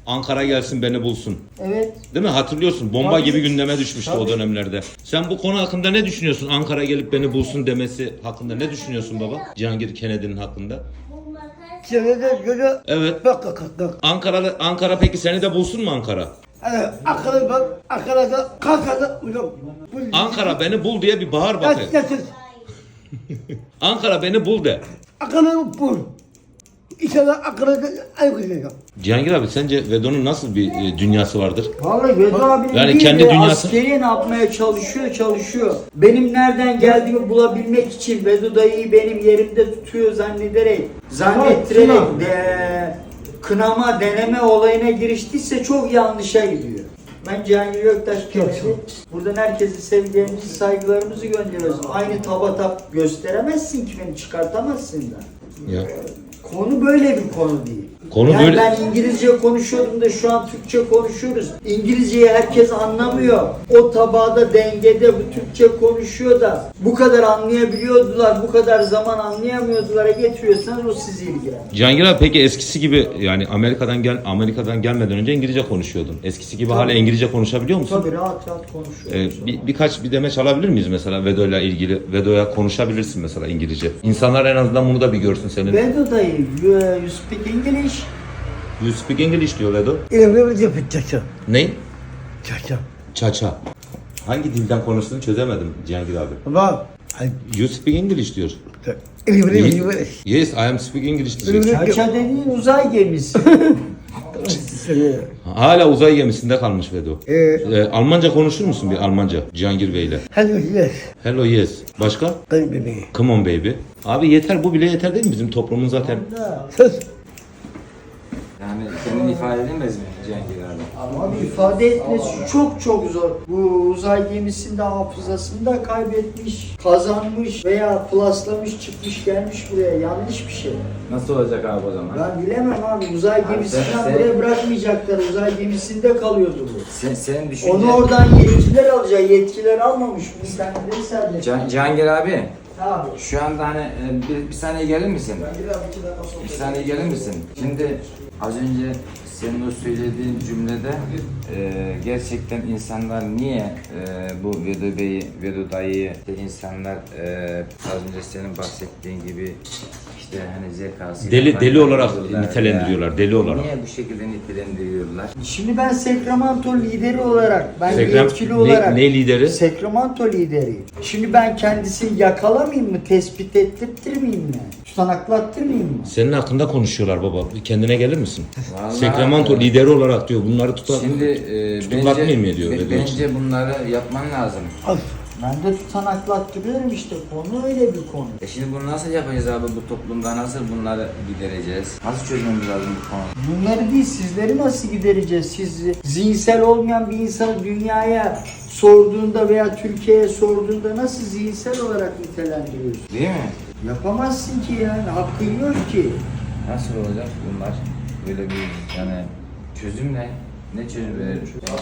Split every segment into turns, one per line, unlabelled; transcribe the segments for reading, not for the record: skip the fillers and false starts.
Ankara gelsin beni bulsun.
Evet.
Değil mi? Hatırlıyorsun. Bomba
Tabii.
gibi gündeme düşmüştü o
Tabii.
dönemlerde. Sen bu konu hakkında ne düşünüyorsun? Ankara gelip beni bulsun demesi hakkında ne düşünüyorsun baba? Cihangir Kennedy'nin hakkında.
Senede göre
Evet.
bak.
Ankara peki seni de bulsun mu Ankara?
Akıllı bak, Ankara'da kalkada hocam.
Ankara beni bul diye bir bağır bakayım.
Getir.
Ankara beni bul de.
Akıllı bul. İnşallah Ankara'da ay güzel.
Cihangir abi sence Vedo'nun nasıl bir dünyası vardır?
Vallahi Vedo abinin
Yani
değil
kendi
de
dünyası-
askeriye ne yapmaya çalışıyor. Benim nereden geldiğimi bulabilmek için Vedo dayıyı benim yerimde tutuyor zannettirerek kınama, deneme olayına giriştiyse çok yanlışa gidiyor. Ben Cihangir Göktaş Kennedy. Buradan herkese sevgilerimizi, saygılarımızı gönderiyoruz. Aynı tap gösteremezsin ki beni, çıkartamazsın da.
Ya.
Konu böyle bir konu değil.
Konu
yani
böyle-
ben İngilizce konuşuyorum da şu an Türkçe konuşuyoruz. İngilizceyi herkes anlamıyor. O tabağda dengede bu Türkçe konuşuyor da bu kadar anlayabiliyordular, bu kadar zaman anlayamıyordular. Getiriyorsanız o sizi ilgilendirir.
Cihangir abi peki eskisi gibi yani Amerika'dan gelmeden önce İngilizce konuşuyordun. Eskisi gibi hala İngilizce konuşabiliyor musun?
Tabii rahat konuşuyoruz.
Birkaç bir demeç alabilir miyiz mesela Vedo'yla ilgili? Vedo'ya konuşabilirsin mesela İngilizce. İnsanlar en azından bunu da bir görsün senin.
Vedo dayı, you speak English?
You speak English diyor Vedo.
İlimli yapacak.
Ne?
Çaça.
Çaça. Hangi dilden konuştuğunu çözemedim Cihangir abi.
Ama
You speak English diyor.
İlimli.
Yes, I am speak English diyecek.
Çaça dediğin uzay gemisi.
Hala uzay gemisinde kalmış Vedo. Almanca konuşur musun bir Almanca Cihangir Bey ile?
Hello yes.
Hello yes. Başka?
Baby.
Come on baby. Abi yeter bu bile yeter değil mi bizim toplumun zaten?
Söz.
Yani kendini ifade edemez mi Cihangir abi?
Abi ifade etmesi çok zor. Bu uzay gemisinde hafızasını da kaybetmiş, kazanmış veya plaslamış, çıkmış gelmiş buraya. Yanlış bir şey.
Nasıl olacak abi o zaman?
Ben bilemem abi. Uzay gemisinden
sen-
buraya bırakmayacaklar. Uzay gemisinde kalıyordu bu.
Senin düşünce...
Onu oradan yetkiler alacak. Yetkiler almamış. Bu internetten sadece.
Cihangir abi,
Abi.
şu anda hani bir saniye gelir misin? Bir saniye gelir misin? Şimdi az önce senin o söylediğin cümlede gerçekten insanlar niye bu Vedo Bey'i, Vedo dayıyı insanlar az önce senin bahsettiğin gibi işte hani zekası
Deli olarak nitelendiriyorlar, deli olarak.
Niye bu şekilde nitelendiriyorlar?
Şimdi ben Sacramento lideri olarak, ben yetkili olarak
ne lideri?
Sacramento lideri. Şimdi ben kendisini yakalamayayım mı, tespit ettirmeyeyim mi? Tutanaklattırmayayım mı?
Senin hakkında konuşuyorlar baba. Bir kendine gelir misin?
Vallahi-
Sacramento lideri olarak diyor. Bunları
Şimdi
tutuklatmayayım mı diyor? Vedo için.
bence bunları yapman lazım.
Ben de tutanaklattırıyorum işte, konu öyle bir konu.
Şimdi bunu nasıl yapacağız abi bu toplumda, nasıl bunları gidereceğiz? Nasıl çözmemiz lazım bu konuyu?
Bunları değil, sizleri nasıl gidereceğiz? Siz zihinsel olmayan bir insanı dünyaya sorduğunda veya Türkiye'ye sorduğunda nasıl zihinsel olarak nitelendiriyorsun?
Değil mi?
Yapamazsın ki yani, hakkın yok ki.
Nasıl olacak bunlar? Böyle bir yani çözüm ne? Ne çözüm verir?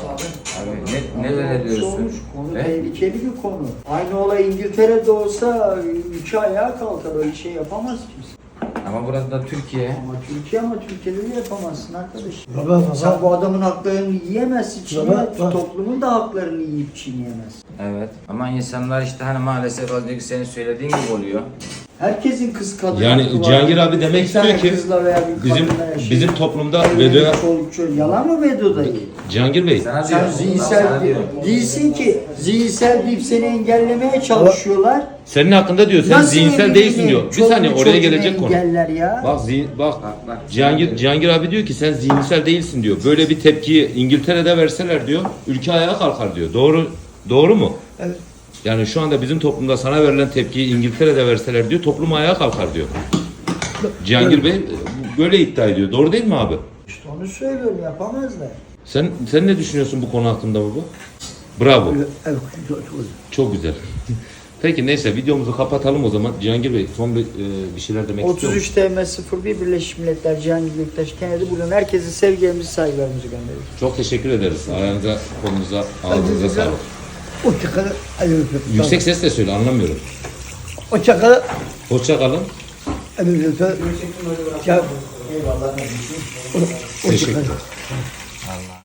Abi ne veriyorsun?
Olmuş, konu tehlikeli bir konu. Aynı olay İngiltere'de olsa ülke ayağa kalkar, öyle şey yapamaz kimse.
Ama burası da Türkiye.
Ama Türkiye'de de yapamazsın arkadaş.
Baba.
Sen bu adamın haklarını yiyemezsin, çiğneyemezsin.
Baba.
Toplumun da haklarını yiyip çiğneyemezsin.
Evet. Ama insanlar işte hani maalesef az önceki senin söylediğin gibi oluyor.
Herkesin kız kadın
Yani
hakkı var.
Cihangir abi demek
Bir tane
istiyor ki
kızla veya bir
bizim
kadınla yaşıyor.
bizim toplumda
Evlenip
Vedo'ya
çoluk çocuk. Yalan mı Vedo dayı?
Cihangir Bey
Sana
Sen
diyorum,
zihinsel
sana diyorum.
değilsin ki. Zihinsel deyip seni engellemeye çalışıyorlar.
senin hakkında diyor sen
Nasıl
zihinsel
evliliğini,
değilsin diyor. Bir
çoluğunu
saniye oraya
çocuğunu
gelecek konu.
engeller ya.
Bak
Bak.
Cihangir abi diyor ki sen zihinsel değilsin diyor. Böyle bir tepkiyi İngiltere'de verseler diyor ülke ayağa kalkar diyor. Doğru mu?
Evet.
Yani şu anda bizim toplumda sana verilen tepkiyi İngiltere'de verseler diyor toplum ayağa kalkar diyor. Cihangir Bey böyle iddia ediyor. Doğru değil mi abi?
İşte onu söylüyorum, yapamazlar.
Sen ne düşünüyorsun bu konu hakkında baba? Bravo.
Evet.
Çok güzel. Peki neyse videomuzu kapatalım o zaman. Cihangir Bey son bir şeyler demek istiyor musun?
33 TM 01 Birleşmiş Milletler Cihangir Göktaş Kennedy, buradan herkese sevgilerimizi, saygılarımızı gönderiyoruz.
Çok teşekkür ederiz. Ayağınıza, kolunuza, ağzınıza sağlık.
O çakalı.
Yüksek sesle söyle anlamıyorum.
O çakalı.
Hoşça kalın.
Ya Eyvallah.
Teşekkürler.